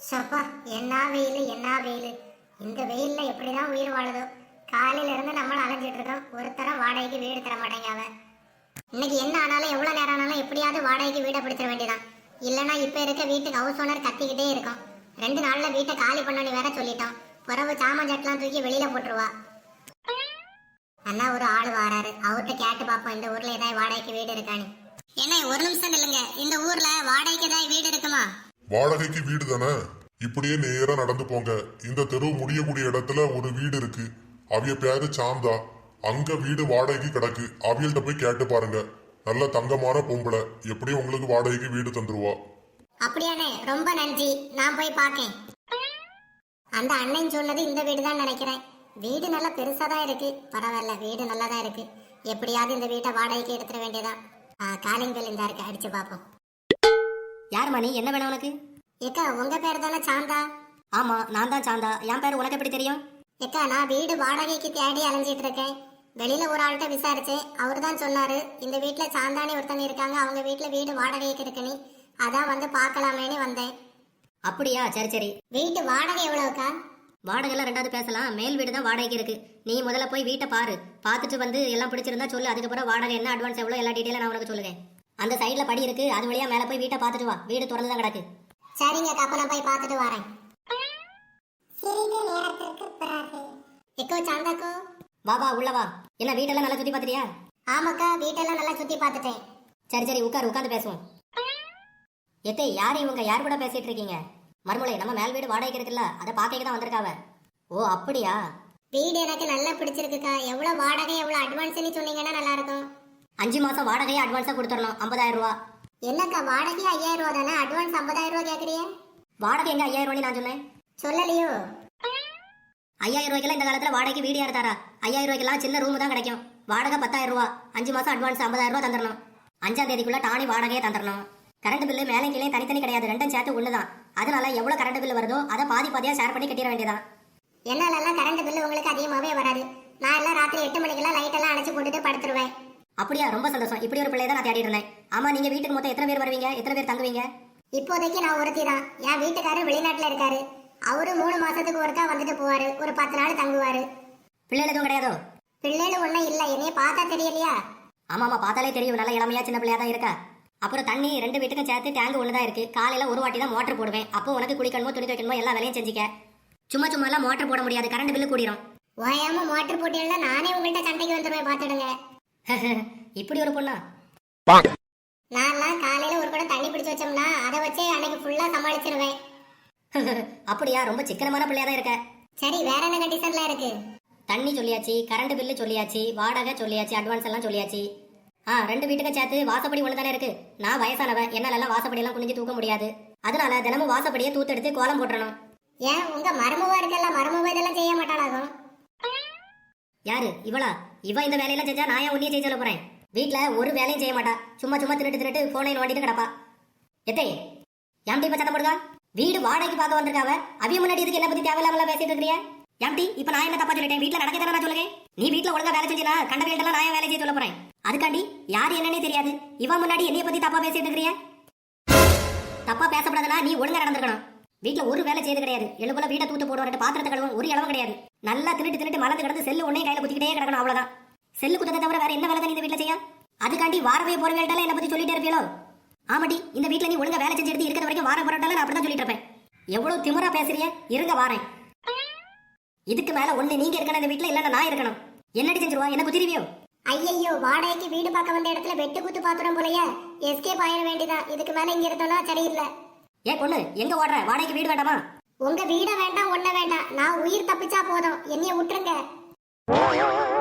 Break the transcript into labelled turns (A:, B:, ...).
A: சப்பா, என்ன வெயில் என்ன வெயில். இந்த வெயில்ல எப்படிதான் உயிர் வாழுதோ. காலையில இருந்து நம்மள அலைஞ்சிட்டு இருக்கோம். ஒருத்தரம் வாடகைக்கு வீடு தர மாட்டேங்க அவன். இன்னைக்கு என்ன ஆனாலும் எவ்வளவு நேரம் ஆனாலும் எப்படியாவது வாடகைக்கு வீடை பிடிச்சிட வேண்டியதான். இல்லைன்னா இப்ப இருக்க வீட்டுக்கு ஹவுஸ் ஓனர் கத்திக்கிட்டே இருக்கும். 2 நாள்ல வீட்டை காலி பண்ணி வேற சொல்லிட்டோம். புறவு சாமான் சட்டெல்லாம் தூக்கி வெளியில போட்டுருவா. அண்ணா ஒரு ஆள் வாராரு, அவர்கிட்ட கேட்டு பாப்போம் இந்த ஊர்ல ஏதாவது வாடகைக்கு வீடு இருக்கான்னு. என்ன ஒரு நிமிஷம் இல்லைங்க, இந்த ஊர்ல வாடகைக்கு ஏதாவது வீடு இருக்குமா?
B: வாடகைக்கு வீடு தானே, இப்படியே நேரா நடந்து போங்க. இந்த தெரு முடியக்கூடிய இடத்துல ஒரு வீடு இருக்கு. அவிய பேரு சாந்தா. அங்க வீடு வாடகைக்கு கிடக்கு. அவியல்கிட்ட போய் கேட்டு பாருங்க. நல்ல தங்கமான பொம்பளை, எப்படியும் உங்களுக்கு வாடகைக்கு வீடு தந்துருவா.
A: அப்படியானே, ரொம்ப நன்றி. நான் போய் பாக்கேன். அந்த அண்ணன் சொன்னது இந்த வீடு தான் நினைக்கிறேன். வீடு நல்லா பெருசா தான் இருக்கு. பரவாயில்ல, வீடு நல்லா தான் இருக்கு. எப்படியாவது இந்த வீட்டை வாடகைக்கு எடுத்துட வேண்டியதான். காலிங் பெல் இந்த இருக்கு, அடிச்சு பாப்போம்.
C: யார் மணி, என்ன வேணும் உனக்கு?
A: ஏக்கா, உங்க பேர் தானே சாந்தா?
C: ஆமா, நான் தான் சாந்தா. என் பேர் உனக்கு எப்படி தெரியும்?
A: ஏக்கா, நான் வீடு வாடகைக்கு தேடி அலைஞ்சிட்டு இருக்கேன். வெளியில ஒரு ஆள்கிட்ட விசாரிச்சேன். அவரு தான் சொன்னாரு இந்த வீட்டுல சாந்தானி ஒருத்தங்க இருக்காங்க, அவங்க வீட்டுல வீடு வாடகைக்கு இருக்குன்னு. அதான் வந்து பாக்கலாமேன்னு வந்தேன்.
C: அப்படியா, சரி சரி.
A: வீட்டு வாடகை எவ்வளவுக்கா?
C: வாடகைலாம் 2வது பேசலாம். மேல் வீடு தான் வாடகைக்கு இருக்கு. நீ முதல்ல போய் வீட்டை பாரு. பார்த்துட்டு வந்து எல்லாம் பிடிச்சிருந்தா சொல்லு. அதுக்கப்புறம் வாடகை என்ன, அட்வான்ஸ் எவ்வளோ, எல்லா டீட்டெயிலும் நான் உனக்கு சொல்லுவேன். அந்த சைட்ல படி இருக்கு, அது வழியா மேல போய் வீட்டை பார்த்துட்டு வா. வீடு திறந்து தான் கிடக்கு.
A: சரிங்க, அப்ப நான் போய் பார்த்துட்டு வரேன். சிறிது நேரத்திற்கு பிறகு எக்கோ சாந்தாக்கோ,
C: வா வா, உள்ள வா. என்ன வீட்டெல்லாம் நல்லா சுத்தி பார்த்துட்டியா?
A: ஆமாக்கா, வீட்டெல்லாம் நல்லா சுத்தி பார்த்துட்டேன்.
C: சரி சரி, உட்காந்து பேசுவோம். எத்தே, யார் இவங்க? யார் கூட பேசிட்டு இருக்கீங்க? மறுமொழி, நம்ம மேல் வீடு வாடகைக்கு இருக்குல்ல, அதை பார்க்க தான் வந்திருக்காவ. ஓ அப்படியா?
A: வீடு எனக்கு நல்லா பிடிச்சிருக்குக்கா. எவ்வளவு வாடகை, எவ்வளவு அட்வான்ஸ்னு சொன்னீங்கன்னா நல்லா இருக்கும்.
C: 5 மாசம் வாடகையை அட்வான்ஸா கொடுத்துடணும், 50,000 ரூபா.
A: என்னக்கா, வாடகை 5,000 ரூபா தானே, அட்வான்ஸ் 50,000 ரூபா கேக்குறீங்க?
C: வாடகை எங்க 5,000 ரூபாய் நான் சொன்னேன்?
A: சொல்லலையோ?
C: 5,000 ரூபாய்க்கெல்லாம் இந்த காலத்துல வாடகைக்கு வீடு யார் தரா? 5,000 ரூபாய்க்கெல்லாம் சின்ன ரூம் தான் கிடைக்கும். வாடகை 10,000 ரூபா. 5 மாசம் அட்வான்ஸ் 50,000 ரூபா தந்துடணும். 5ஆம் தேதிக்குள்ள டானி வாடகையை தந்துடணும். கரண்ட் பில்லு மேலே கீழே தனித்தனி கிடையாது, 2ம் சேர்த்து ஒண்ணுதான். அதனால எவ்வளவு கரண்ட் பில்லு வருதோ அதை பாதி பாதியா ஷேர் பண்ணி கட்டிட வேண்டியதான்.
A: என்னாலலாம் கரண்ட் பில்லு உங்களுக்கு அதிகமாவே வராது. நான் எல்லாம் ராத்திரி 8 மணிக்கெல்லாம் லைட் எல்லாம் அணைச்சு போட்டுட்டு படுத்துருவேன்.
C: அப்படியா, ரொம்ப சந்தோஷம். இப்படி ஒரு பிள்ளையை தான் நான் தேடிட்டு இருந்தேன். ஆமா, நீங்க வீட்டுக்கு மொத்தம் எத்தனை பேர் வருவீங்க, எத்தனை பேர் தங்குவீங்க?
A: இப்போதைக்கு நான் ஒருத்தி தான். என் வீட்டுக்காரர் வெளிநாட்டுல இருக்காரு. அவரு 3 மாசத்துக்கு ஒருக்கா வந்துட்டு போவாரு. ஒரு 10 நாள் தங்குவாரு.
C: பிள்ளைகள் எதுவும் கிடையாதோ?
A: பிள்ளைகள் ஒண்ணும் இல்ல. என்னைய பார்த்தா தெரியலையா?
C: ஆமா, பார்த்தாலே தெரியும், நல்ல இளமையா சின்ன பிள்ளையா தான் இருக்கா. அப்புறம் தண்ணி 2 வீட்டுக்கும் சேர்த்து டேங்க் ஒண்ணுதான் இருக்கு. காலையில ஒரு வாட்டி தான் மோட்டர் போடுவேன். அப்போ உனக்கு குளிக்கணுமோ துணி துவைக்கணுமோ எல்லா வேலையும் செஞ்சுக்க. சும்மா சும்மா எல்லாம் மோட்டர் போட முடியாது, கரண்ட் பில்லு கூடிரும்.
A: ஓயாம மோட்டர் போட்டீங்கன்னா நானே உங்கள்கிட்ட சண்டைக்கு வந்துடுவேன், பாத்துடுங்க.
C: இப்படி ஒரு பொண்ணா?
A: நான்லாம் காலையில ஒரு குடம் தண்ணி பிடிச்சு வச்சோம்னா அதை வச்சே அன்னைக்கு ஃபுல்லா சமாளிச்சிருவேன்.
C: அப்படியா, ரொம்ப சிக்கனமான பிள்ளையா தான் இருக்க.
A: சரி, வேற என்ன கண்டிஷன்ல இருக்கு?
C: தண்ணி சொல்லியாச்சு, கரண்ட் பில்லு சொல்லியாச்சு, வாடகை சொல்லியாச்சு, அட்வான்ஸ் எல்லாம் சொல்லியாச்சு. 2 வீட்டுக்கும் சேர்த்து வாசப்படி ஒண்ணு தானே இருக்கு. நான் வயசானவன், என்னால எல்லாம் வாசப்படி எல்லாம் குனிஞ்சு தூக்க முடியாது. அதனால தினமும் வாசப்படியை தூத்தெடுத்து கோலம் போட்டுறணும்.
A: ஏன் உங்க மருமவா இருக்கல, மருமவ இதெல்லாம் செய்ய மாட்டாளாகும்?
C: யாரு இவளா? இவ இந்த வேலையெல்லாம் செஞ்சா நான் ஏன் உன்னையே செய்ய சொல்ல போறேன்? வீட்டுல ஒரு வேலையும் செய்ய மாட்டா. சும்மா சும்மா திருட்டு போனை நோண்டிட்டு கிடப்பா. எத்தே, ஏம்டி இப்ப சத்தம் போடுதா? வீடு வாடகைக்கு பார்க்க வந்திருக்காவ. அவிய முன்னாடி இதுக்கு என்ன பத்தி தேவையில்லாம பேசிட்டு இருக்கிறியா? ஏம்டி, இப்ப நான் என்ன தப்பா சொல்லிட்டேன்? வீட்டுல நடக்கதானே நான் சொல்லுங்க. நீ வீட்டுல ஒழுங்கா வேலை செஞ்சினா கண்ட வீட்டெல்லாம் நான் வேலை செய்ய சொல்ல போறேன். அதுக்காண்டி யாரு என்னன்னே தெரியாது இவ முன்னாடி என்னைய பத்தி தப்பா பேசிட்டு இருக்கிறியா? தப்பா பேசப்படாதுன்னா நீ ஒழுங்கா நடந்துக்கணும். வீட்டுல ஒரு வேலை செய்து கிடையாது. எழுபோல வீட்டை தூத்து போடுவாரு, பாத்திரத்தை கழுவும், ஒரு இளவும் கிடையாது. நல்லா திருட்டு மலர்ந்து கிடந்து செல்லு உடனே கையில குத்திக்கிட்டே கிடக்கணும், அவ்வளவுதான். செல்லு குத்தத்தை தவிர வேற என்ன வேலை தான் இந்த வீட்டுல செய்ய? அதுக்காண்டி வாரவே போற வேண்டாலும் என்ன பத்தி சொல்லிட்டே இருப்பீங்களோ? ஆமாடி, இந்த வீட்டுல நீ ஒழுங்கா வேலை செஞ்சு எடுத்து இருக்கிற வரைக்கும் வார போராட்டாலும் நான் அப்படிதான் சொல்லிட்டு இருப்பேன். எவ்வளவு திமிரா பேசுறிய? இருங்க வாரேன். இதுக்கு மேல ஒண்ணு நீங்க இருக்கணும் இந்த வீட்டுல, இல்லன்னா நான் இருக்கணும். என்னடி செஞ்சிருவா? என்ன குத்திருவியோ?
A: ஐயோ, வாடகைக்கு வீடு பார்க்க வந்த இடத்துல வெட்டு குத்து பாத்துறோம் போலயே. எஸ்கேப் ஆயிட வேண்டியதான். இதுக்கு மேல இங்க இருந்தோம்னா சரியில்லை.
C: ஏன் பொண்ணு, எங்க ஓடுற? வாடகைக்கு வீடு வேண்டாமா?
A: உங்க வீட வேண்டாம், ஒண்ண வேண்டாம். நான் உயிர் தப்பிச்சா போதும், என்னைய விட்டுருங்க.